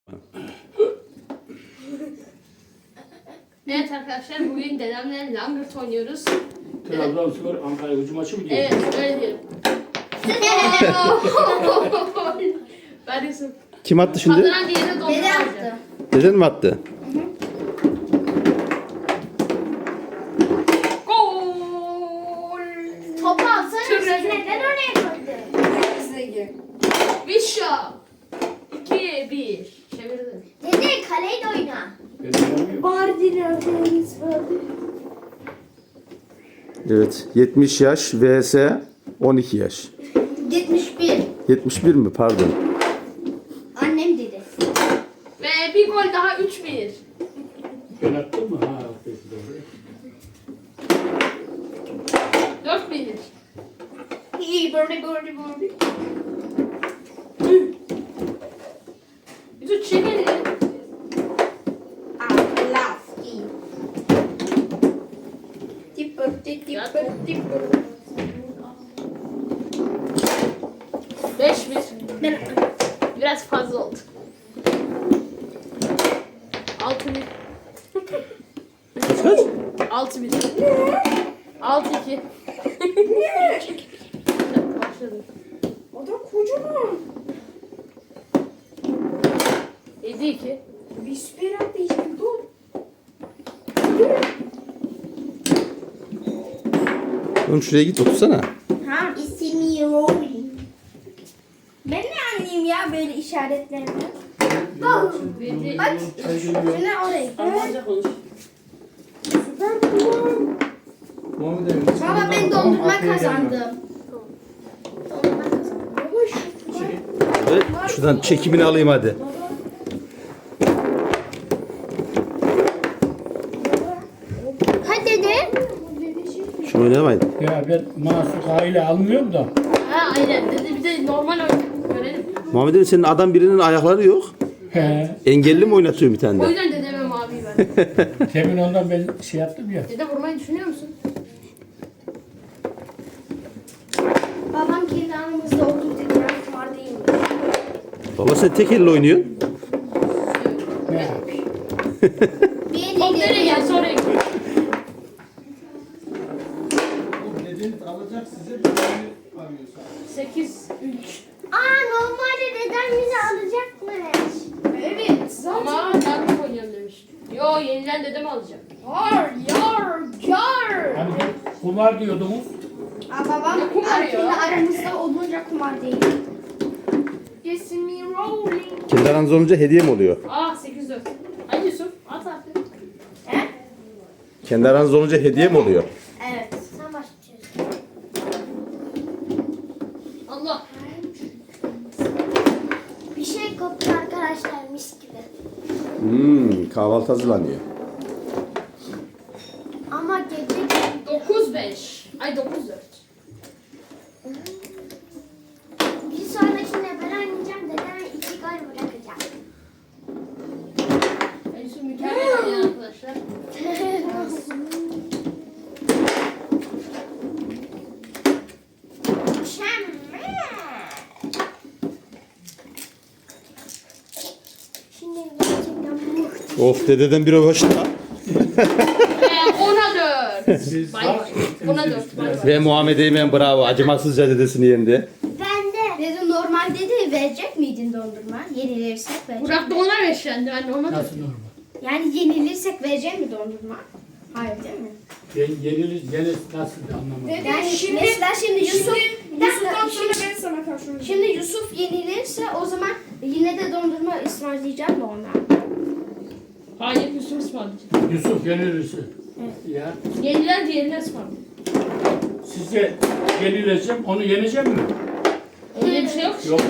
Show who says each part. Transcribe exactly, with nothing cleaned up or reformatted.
Speaker 1: Evet arkadaşlar, bugün dedemle langırt oynuyoruz.
Speaker 2: Trabzonspor Ankara gücü maçı mı diyor?
Speaker 1: Evet, öyle diyelim. Ben Yusuf.
Speaker 3: Kim attı şimdi?
Speaker 1: Kazanan diğerine dondurma
Speaker 4: Dede
Speaker 1: alacak.
Speaker 4: yaptı.
Speaker 3: Deden mi attı?
Speaker 1: Gol!
Speaker 4: Topu alsana.
Speaker 1: Şuraya.
Speaker 4: Siz neden oraya koydun?
Speaker 1: Vişa! iki bir. Çevirdim.
Speaker 4: Dede kaleyle oyna.
Speaker 2: Ben oynamıyorum.
Speaker 4: Bardin
Speaker 3: Evet. yetmiş yaş vs on iki yaş.
Speaker 4: yetmiş bir.
Speaker 3: yetmiş bir mi? Pardon.
Speaker 4: Annem dedi.
Speaker 1: Ve bir gol daha üç bir.
Speaker 2: Ben attım mı? Ha, peki doğru.
Speaker 1: dört bir.
Speaker 4: İyi böyle böyle böyle.
Speaker 1: Yusuf çekelim.
Speaker 4: Aflaski. Tipper
Speaker 1: Ya,
Speaker 4: tipper
Speaker 1: top.
Speaker 4: tipper.
Speaker 1: beş bir.
Speaker 4: Ben
Speaker 1: Biraz fazla oldu. altı bir.
Speaker 3: Kaç?
Speaker 1: altı bir. altı iki. Başladım.
Speaker 4: O da kocaman.
Speaker 1: yedi iki.
Speaker 4: Bir süper attı işte dur.
Speaker 3: Oğlum şuraya git otursana.
Speaker 4: Ha ismi Rolling. Ben ne anlayayım ya böyle işaretlerini?
Speaker 1: yedi.
Speaker 4: Bak şuna oraya.
Speaker 1: Almanca konuş.
Speaker 4: Baba ben dondurma kazandım. Dondurma kazandım. Baba şu.
Speaker 3: Evet, şuradan çekimini alayım hadi.
Speaker 4: Hadi dede.
Speaker 3: Şunu oynamayın.
Speaker 2: Ya ben Masuk aile almıyorum da.
Speaker 1: Ha aynen. Dedi bir de normal oyun. Görelim.
Speaker 3: Muhammed Ali, senin adam birinin ayakları yok.
Speaker 2: He.
Speaker 3: Engelli mi oynatıyor bir tane
Speaker 1: O
Speaker 3: de?
Speaker 1: yüzden dedeme mavi ben.
Speaker 2: Temin ondan ben şey yaptım ya.
Speaker 1: Dede vurmayı düşünüyor musun?
Speaker 4: Babam kendi anımızda olduğu dedi ya kumar değil mi?
Speaker 3: Baba sen tek elle oynuyorsun.
Speaker 2: Ne yapayım?
Speaker 4: Bir
Speaker 1: Top nereye gel sonra git. sekiz üç.
Speaker 4: Aa normalde dedem bizi alacakmış. Evet
Speaker 1: Ama ben oynayalım demiş. Yo yeniden dedem alacak.
Speaker 4: Yar yar yar.
Speaker 2: Hani kumar diyordunuz.
Speaker 4: Aa babam
Speaker 1: Ne kumarı ya?
Speaker 4: kendi aramızda olunca kumar değil. Yes me rolling.
Speaker 3: Kendi aranız olunca hediye mi oluyor?
Speaker 1: Aa sekiz dört. Hadi Yusuf at artık.
Speaker 4: He?
Speaker 3: Kendi aranız olunca hediye mi oluyor?
Speaker 4: Evet. Sen başlıyorsun.
Speaker 1: Allah.
Speaker 4: Bir şey koptu arkadaşlar mis gibi.
Speaker 3: Hmm, kahvaltı hazırlanıyor.
Speaker 4: Ama gece
Speaker 1: dokuz beş. Ay dokuz dört.
Speaker 4: bir sonrakinde ben oynayacağım dedeme iki gol bırakacağım.
Speaker 1: Ay Yusuf mükemmel oynuyor arkadaşlar.
Speaker 4: Şimdi gerçekten muhteşem.
Speaker 3: Of, dededen biri hoşta.
Speaker 1: Ve ona dört.
Speaker 2: Siz
Speaker 1: Bay
Speaker 2: bak.
Speaker 1: bay. Ona dört. Bay bay.
Speaker 3: Ve Muhammed Eymen bravo. Acımasızca dedesini yendi.
Speaker 4: Ben de. Dede normalde de verecek miydin dondurma? Yenilirsek verecek.
Speaker 1: Burak da ona beşlendi. Ben de ona dört.
Speaker 2: Nasıl normal?
Speaker 4: Yani yenilirsek verecek mi dondurma? Hayır değil mi?
Speaker 2: Ben yenilir, yenir nasıl anlamadım.
Speaker 4: Yani
Speaker 5: şimdi-
Speaker 4: mesela şimdi Yusuf, bir dakika,
Speaker 5: Yusuf'tan sonra
Speaker 4: şimdi,
Speaker 5: ben sana karşı oynayacağım.
Speaker 4: şimdi Yusuf yenilirse o zaman yine de dondurma ısmarlayacağım da ona.
Speaker 1: Hayır Yusuf ısmarlayacak.
Speaker 2: Yusuf yenilirse. Ya
Speaker 1: Yenilen diğerine ısmarlayacak.
Speaker 2: size yenileceğim, onu yeneceğim mi?
Speaker 1: Öyle bir şey yok.
Speaker 2: Yok.